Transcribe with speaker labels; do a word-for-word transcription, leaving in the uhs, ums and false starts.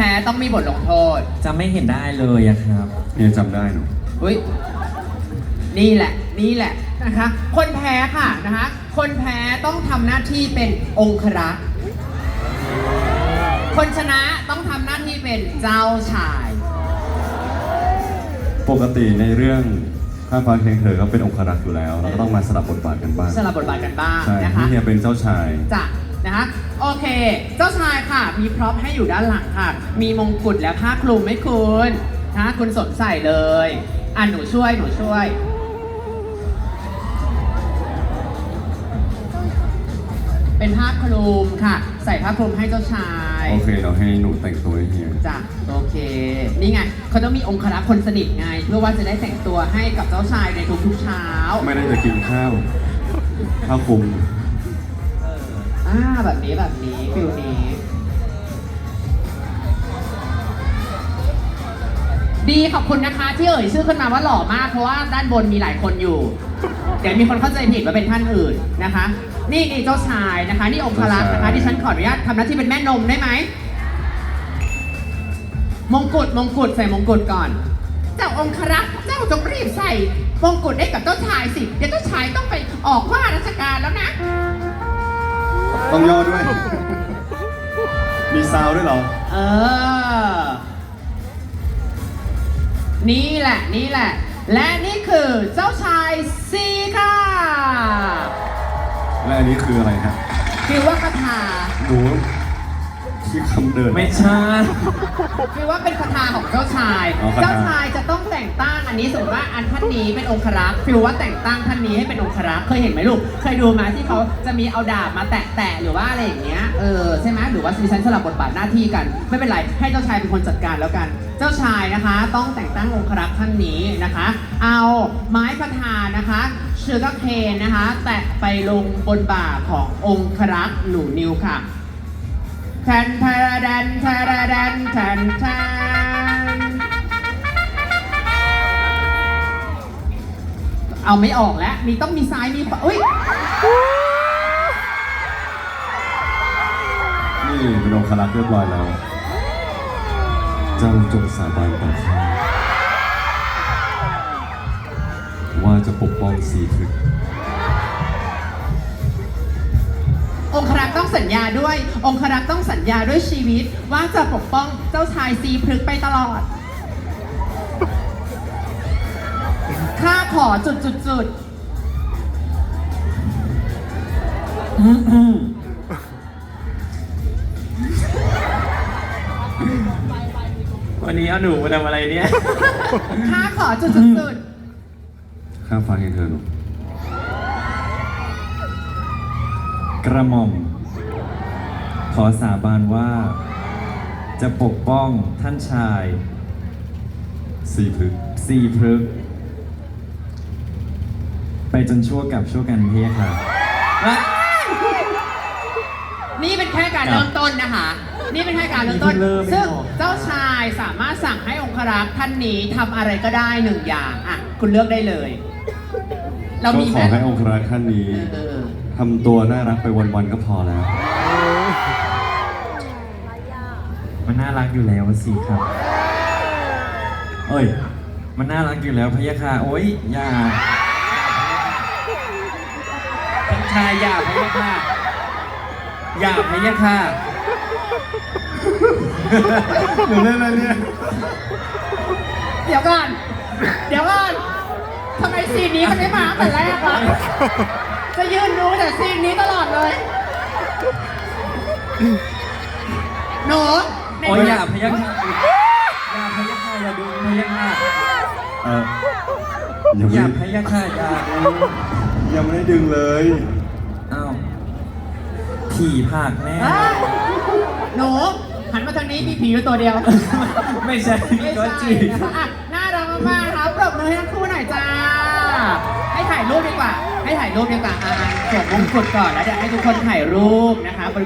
Speaker 1: พ้ต้องมีบทลงโทษ
Speaker 2: จะไม่เห็นได้เลยอะครับ
Speaker 3: เนี่ยจำได้หนู
Speaker 1: อุ้ยนี่แหละนี่แหละนะคะคนแพ้ค่ะนะคะคนแพ้ต้องทำหน้าที่เป็นองครักษ์คนชนะต้องทำหน้าที่เป็นเจ้าชาย
Speaker 3: ปกติในเรื่องข้าฟ้าเคียงเธอก็เป็นองครักษ์อยู่แล้วเราก็ต้องมาสลับบทบาทกันบ้าง
Speaker 1: สลับบทบาทกันบ้าง
Speaker 3: ใช่
Speaker 1: นะคะ
Speaker 3: ที่เนี่ยเป็นเจ้าชาย
Speaker 1: จ้ะนะคะโอเคเจ้าชายค่ะมีพร็อพให้อยู่ด้านหลังค่ะมีมงกุฎและผ้าคลุมให้คุณนะคุณสวมใส่เลยอ่ะหนูช่วยหนูช่วยเป็นผ้าคลุมค่ะใส่ผ้าคลุมให้เจ้าชาย
Speaker 3: โอเคเราให้หนูแต่งตัวให้เฮีย
Speaker 1: จ้ะโอเคนี่ไงเขาต้องมีองครักษ์คนสนิทไงเพื่อว่าจะได้แต่งตัวให้กับเจ้าชายในทุกๆเช้า
Speaker 3: ไม่ได้จะกินข้าวข้าวคลุม
Speaker 1: อ่าแบบนี้แบบนี้ฟิลนี้ดีขอบคุณนะคะที่เอ่ยชื่อขึ้นมาว่าหล่อมากเพราะว่าด้านบนมีหลายคนอยู่เดี๋ยวมีคนเข้าใจผิดว่าเป็นท่านอื่นนะคะนี่นี่เจ้าชายนะคะนี่องครักษ์นะคะดิฉันขออนุญาตทำหน้าที่เป็นแม่นมได้ไหมมงกุฎมงกุฎใส่มงกุฎก่อนเจ้าองครักษ์เจ้าจงรีบใส่มงกุฎให้กับเจ้าชายสิเดี๋ยวเจ้าชายต้องไปออกว่าราชการแล้วนะ
Speaker 3: ต้องย่อด้วย มีซาวด้วยเหรอ
Speaker 1: เออนี่แหละนี่แหละและนี่คือเจ้าชายซีค่ะ
Speaker 3: และอันนี้คืออะไรฮะ
Speaker 1: คือว่าคาถา
Speaker 3: ดูที่คำเดิน
Speaker 2: ไม่ใช่
Speaker 1: คือว่าเป็นคาถาของเจ้าชายเจ้าชายจะต้องแต่งตั้งอันนี้สมมติว่าอันท่านนี้เป็นองครักษ์คือว่าแต่งตั้งท่านนี้ให้เป็นองครักษ์เคยเห็นไหมลูกเคยดูมาที่เขาจะมีเอาดาบมาแตะๆหรือว่าอะไรอย่างเงี้ยเออใช่ไหมหรือว่าดิฉันสลับบทบาทหน้าที่กันไม่เป็นไรให้เจ้าชายเป็นคนจัดการแล้วกันเจ้าชายนะคะต้องแต่งตั้งองครักษ์ท่านนี้นะคะเอาไม้ประธานนะคะเชือกเคนนะคะแตะไปลงบนบ่าขององครักษ์หนูนิวค่ะแทนแทนแทนแทนแทนแทนเอาไม่ออกแล้วมีต้องมีซ้ายมีขวาอุ้ย
Speaker 3: นี่เป็นองครักษ์เรียบร้อยแล้วเจ้าจงสาบานต่อข้าว่าจะปกป้องสีทึก
Speaker 1: องครักษ์ต้องสัญญาด้วยองครักษ์ต้องสัญญาด้วยชีวิตว่าจะปกป้องเจ้าชายซีพฤกษ์ไปตลอดข้าขอจุดจุดจุด
Speaker 2: วันนี้เอาหนูมาทำอะไรเนี่ย
Speaker 1: ข้าขอจุดจุดจุด
Speaker 3: ข้าฟังให้เธอหนู
Speaker 2: กระหม่อมขอสาบานว่าจะปกป้องท่านชาย
Speaker 3: สีพฤกษ์
Speaker 2: สีพฤกษ์ไปจนชั่วกับชั่วกันเพียค่ะ
Speaker 1: นี่เป็นแค่การเริ่มต้นนะคะนี่เป็นแค่การเริ่มต้นซึ่งเจ้าชายสามารถสั่งให้องครักษ์ท่านนี้ทำอะไรก็ได้หนึ่งอย่างอ่ะคุณเลือกได้เลย
Speaker 3: เรามีขอให้องครักษ์ท่านนี้ทำตัวน่ารักไปวันๆก็พอแล้ว
Speaker 2: มันน่ารักอยู่แล้วสิครับเอ้ยมันน่ารักอยู่แล้วพะยะค่ะโอ๊ยอย่าท่านชายอย่าพะยะค่ะอย่าพะยะค่ะ
Speaker 3: หนูเล่นอะไรเนี่ย
Speaker 1: เดี๋ยวก่อนเดี๋ยวก่อนทำไมซีนนี้มันไม่มาแต่แรกวะจะยืนดูแต่ซีนนี้ตลอดเลยหนู
Speaker 2: โอ้ยอย่าพยักหน้าอย่าพยักหน้าอย่าดูพยักหน้า
Speaker 3: เออ
Speaker 2: อย่าพยักหน้าอย่า
Speaker 3: ยังไม่ได้ดึงเลย
Speaker 2: อ้าวผีผากแน่
Speaker 1: หนูหันมาทางนี้มีผีอยู่ตัวเดียว
Speaker 2: ไม่ใช่ก็จี
Speaker 1: น่ารักมากๆครับปรบมือให้ทั้งคู่หน่อยจ้าให้ถ่ายรูปดีกว่าให้ถ่ายรูปดีกว่าอ่าสวมมงกุฎก่อนแล้วเดี๋ยวให้ทุกคนถ่ายรูปนะคะ